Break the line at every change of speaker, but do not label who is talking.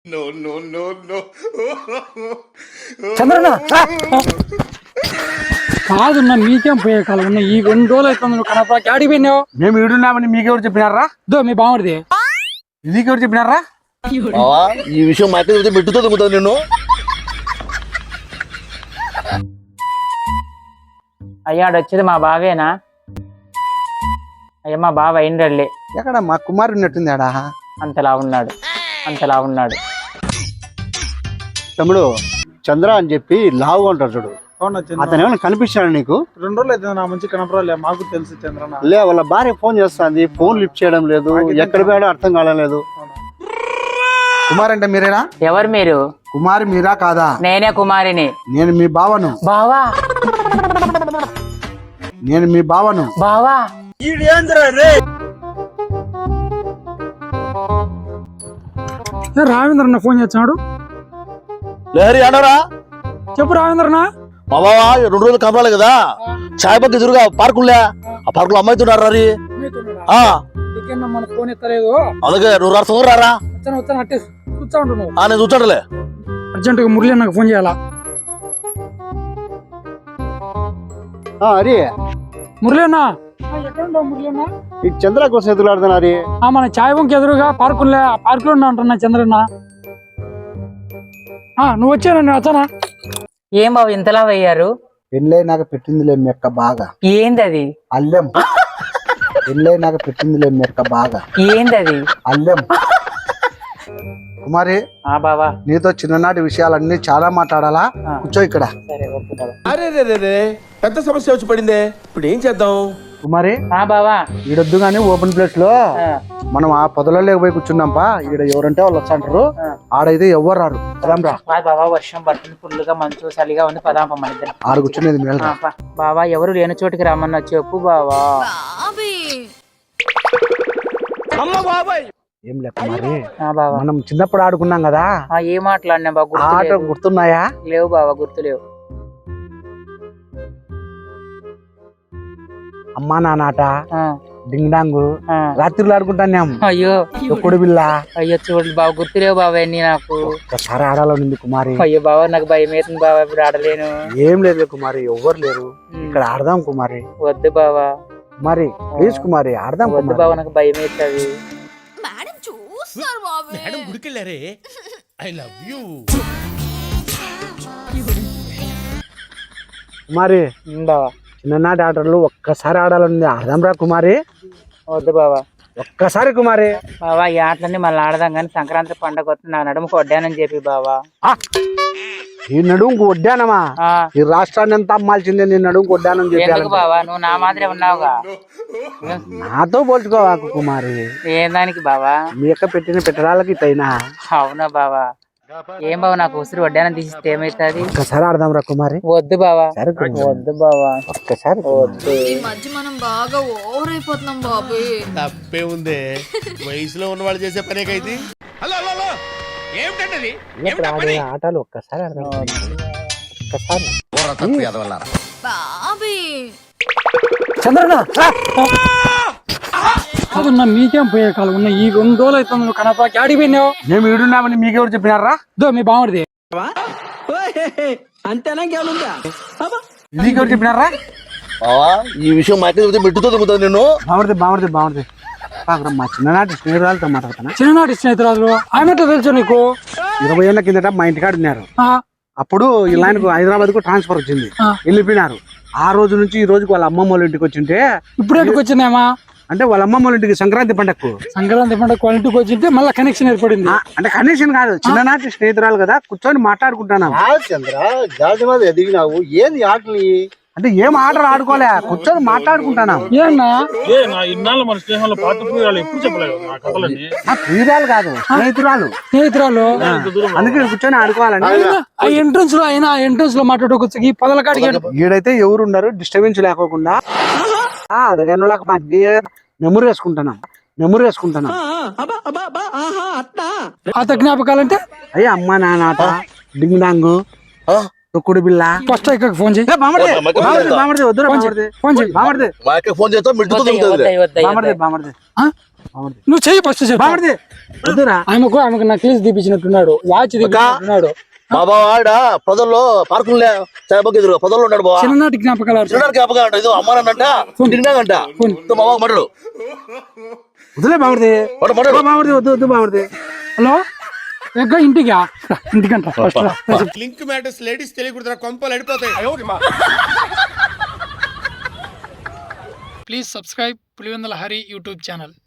చంద్రన్న కాదున్నా మీకేం పోయే కాలం ఉన్నా ఈ 2 రోజులు అవుతుంది నువ్వు కనపడా ఆడికి పోయినావు.
మేము ఈడున్నామని మీకెవరు చెప్పినారా?
మీ బాగుంది
నీకెవరు చెప్పినారా?
ఈ విషయం మా అక్క మెట్టుతో దిగుతుంది నేను.
అయ్యాడు వచ్చేది మా బావేనా? అయ్యా మా బావ అయిండలే.
ఎక్కడ మా కుమారు ఉన్నట్టుంది ఆడా.
అంతలా ఉన్నాడు
తమ్ముడు చంద్ర అని చెప్పి లావుగా ఉంటాడు చూడు, అతను ఏమైనా కనిపించాడు నీకు?
2 రోజులు అయితే నా మంచి కనపరాలే. మాకు తెలుసు చంద్రన్న.
లే, వాళ్ళ భార్య ఫోన్ చేస్తుంది, ఫోన్ లిఫ్ట్ చేయడం లేదు, ఎక్కడ పోయాడో అర్థం కాలేదు. కుమార్ అంటే మీరేనా?
ఎవరు మీరు?
కుమారి మీరా కాదా?
నేనే కుమారిని.
నేను మీ బావను.
బావా
నేను మీ బావను.
బావా
రావేంద్రన్న ఫోన్ చేస్తున్నాడు.
లేహరి ఆడరా
చెప్పు రావేంద్రన్న.
మా బావా 2 రోజులు కనపడాలి కదా, చాయ్ పక్క ఎదురుగా పార్కులే, ఆ పార్కులో అమ్మాయితున్నారు రీ.
మన ఫోన్ ఎత్తలేదు,
అలాగే నువ్వు రారు రారా.
వచ్చాను అట్టే కూర్చో ఉండు నువ్వు.
నేను చూచాడులే.
అర్జెంటుగా మురళి నాకు ఫోన్ చేయాలా.
అరే
మురళి అన్న ఎక్కడ ఉండవు? మురళి అన్న
ఈ చంద్ర కోసం ఎదురులాడుతున్నారు.
మన చాయ్ బంక్ ఎదురుగా పార్కులే, ఆ పార్కులో ఉన్నా అంటున్నా చంద్రన్న. నువ్వు వచ్చాను, నేను వచ్చానా?
ఏం బాబు ఇంతలా అయ్యారు?
పెళ్ళై నాకు పెట్టిందిలే మెక్క బాగా.
ఏంది అది?
అల్లెం. పెళ్ళై నాకు పెట్టిందిలే మెక్క బాగా.
ఏంది అది?
అల్లెం. కుమారి
బావా
నీతో చిన్ననాటి విషయాలన్నీ చాలా మాట్లాడాలా, కూర్చో ఇక్కడ.
సరే ఓకే బావా.
అరే పెద్ద సమస్య వచ్చి పడిందే, ఇప్పుడు ఏం చేద్దాం?
కుమారి
బావా
ఈడొద్దు గానీ ఓపెన్ ప్లేస్ లో మనం ఆ పొదలలో పోయి కూర్చున్నాంపా. ఈడ ఎవరంటే వాళ్ళు వచ్చాంటారు, ఆడైతే ఎవరు రారు. పదాంరా.
బావా వర్షం పడుతుంది, ఫుల్గా మంచు చలిగా ఉంది, పదాంప మన ఇద్దరం.
ఆడ కూర్చునేది మేలు.
బావా ఎవరు లేని చోటికి రమ్మన్నా చెప్పు బావా.
ఏం లే కుమారి,
బావా
మనం చిన్నప్పుడు ఆడుకున్నాం కదా,
ఏం మాట్లాడినా బాబా?
ఆట గుర్తున్నాయా?
లేవు బావా, గుర్తులేవు.
అమ్మా నానాట, డింగ్ డాంగు, రాత్రిలో ఆడుకుంటాం.
అయ్యో
తొక్కుడు బిల్ల.
అయ్యో చూడు బావ, గుర్తులేవు బావా అన్ని నాకు.
ఒకసారి ఆడాలని కుమారి.
అయ్యో బావా నాకు భయం అవుతుంది బావా, ఇప్పుడు ఆడలేను.
ఏం లేదు కుమారి, ఎవ్వరు లేరు ఇక్కడ, ఆడదాం కుమారి.
వద్దు బావా.
కుమారి ప్లీజ్ కుమారి, ఆడదాం.
వద్దు బావా నాకు భయం అవుతుంది.
మేడం గుడికెళ్ళారే. I love you
Kumari.
బావా
చిన్ననాటి ఆటలు ఒక్కసారి ఆడాలని, ఆడదాం రా కుమారి.
వద్దు బావా.
ఒక్కసారి కుమారి.
బావా ఈ ఆటలన్నీ మళ్ళీ ఆడదాం కానీ సంక్రాంతి పండుగ వస్తుంది, నా నడుముకు వడ్డానని చెప్పి బావా.
ఈ నడుముకు వడ్డానమా? ఈ రాష్ట్రాన్ని ఎంత అమ్మాల్సిందే నీ నడుముకు వడ్డానం చెప్పి.
బావా నువ్వు నా మాదిరే ఉన్నావుగా,
నాతో పోల్చుకోవాకు కుమారి.
ఏం దానికి బావా?
మీ యొక్క పెట్టిన పెట్టడాలకి ఇటైనా.
అవునా బావా? ఏం బావా నాకు ఉసిరి వడ్డానం తీసిస్తే ఏమైతుంది?
ఒక్కసారి ఆడదాం రా కుమారి.
వద్దు బావా. వద్దు బావా,
ఒక్కసారి.
వద్దు.
ఈ మధ్య మనం బాగా ఓవర్ అయిపోతున్నాం బాబు.
తప్పే ఉందే, వయసులో ఉన్న వాళ్ళు చేసే పనేకైతే. హలో హలో ఏమిటండి
ఆడే ఆటలు ఒక్కసారి ఆడదాం. ఒక్కసారి
బాబీ
చంద్రన్న కాదన్నా మీకేం పోయే కాలం ఉన్నా ఈ 2 రోజులు అవుతుంది నువ్వు కనపడా ఆడికి పోయినావు.
మేము ఈడున్నామని మీకెవరు చెప్పినారా?
మీ బాగుంది
నీకెవరు చెప్పినారా?
బావా ఈ విషయం మా అక్క మెట్టుతో దిగుతుంది నేను.
బాగుంది. మా చిన్ననాటి స్నేహితురాలతో మాట్లాడుతున్నా.
చిన్ననాటి స్నేహితురాలు ఆమెతో తెలుసు నీకు?
20 ఏళ్ల కిందట మా ఇంటికాడ ఉన్నారు. అప్పుడు ఇలా హైదరాబాద్ కు ట్రాన్స్ఫర్ వచ్చింది, వెళ్ళిపోయినారు. ఆ రోజు నుంచి ఈ రోజుకి వాళ్ళ అమ్మమ్మ వాళ్ళ ఇంటికి వచ్చింటే.
ఇప్పుడు ఎందుకు వచ్చినామా?
అంటే వాళ్ళ అమ్మమ్మ వాళ్ళ ఇంటికి సంక్రాంతి పండగకు
వాళ్ళ ఇంటికి వచ్చింటే మళ్ళీ కనెక్షన్ ఏర్పడింది.
అంటే కనెక్షన్ కాదు, చిన్ననాటి స్నేహితురాలు కదా, కూర్చొని మాట్లాడుకుంటున్నాం. ఏది ఆటలు అంటే ఏం ఆటలు ఆడుకోలే, కూర్చొని మాట్లాడుకుంటున్నాం.
ఏమన్నా
ఇన్నాళ్ళు మన స్నేహంలో ఎప్పుడు చెప్పలేదు నా కథలని.
ప్రియురాలు కాదు, స్నేహితురాలు. అందుకే కూర్చొని ఆడుకోవాలని.
ఆ ఎంట్రన్స్ లో అయినా ఎంట్రన్స్ లో మాట్లాడుకోవచ్చు. ఈ పొదల కాడికి
ఈడైతే ఎవరు ఉండరు, డిస్టర్బెన్స్ లేకోకుండా మెమరీ వేసుకుంటున్నాం.
పాత జ్ఞాపకాలంటే
అయ్యా అమ్మ నానాట, డింగ్ డాంగు, తొక్కుడు బిల్ల.
ఫస్ట్ ఇక్కడ ఫోన్ చేయి.
వద్దు
ఫోన్ చేయి.
మా అక్క ఫోన్ చేస్తా మెట్టుతో దిగుతుంది.
నువ్వు చెయ్యి ఫస్ట్ చెప్పు.
బామర్ది వద్దురా.
ఆమెకు నాకు కేసు తీపించినట్టున్నాడు, వాచ్ తీపించినట్టున్నాడు.
బాబా ఆడ పొదల్లో పార్కులే చాయబాగ్ ఎదురుగా పొదల్లో ఉన్నాడు బాబా.
చిన్ననాటి జ్ఞాపకాలు ఆడుతున్నాడు.
చిన్ననాడు జ్ఞాపకం అంట. ఇది అమ్మానంట తిరిగినాగంట. మా బాబు మటడు
వద్దులే బామర్ది.
మటడు
బామర్ది వద్దు బామర్ది.
హలో ఎగ్గ ఇంటికంట ఫస్ట్ రా.
లింక్ మ్యాటర్స్ లేడీస్ తెలియకూడదు, కొంపలు అడిపోతాయి.
Please subscribe Pulivendula Hari YouTube channel.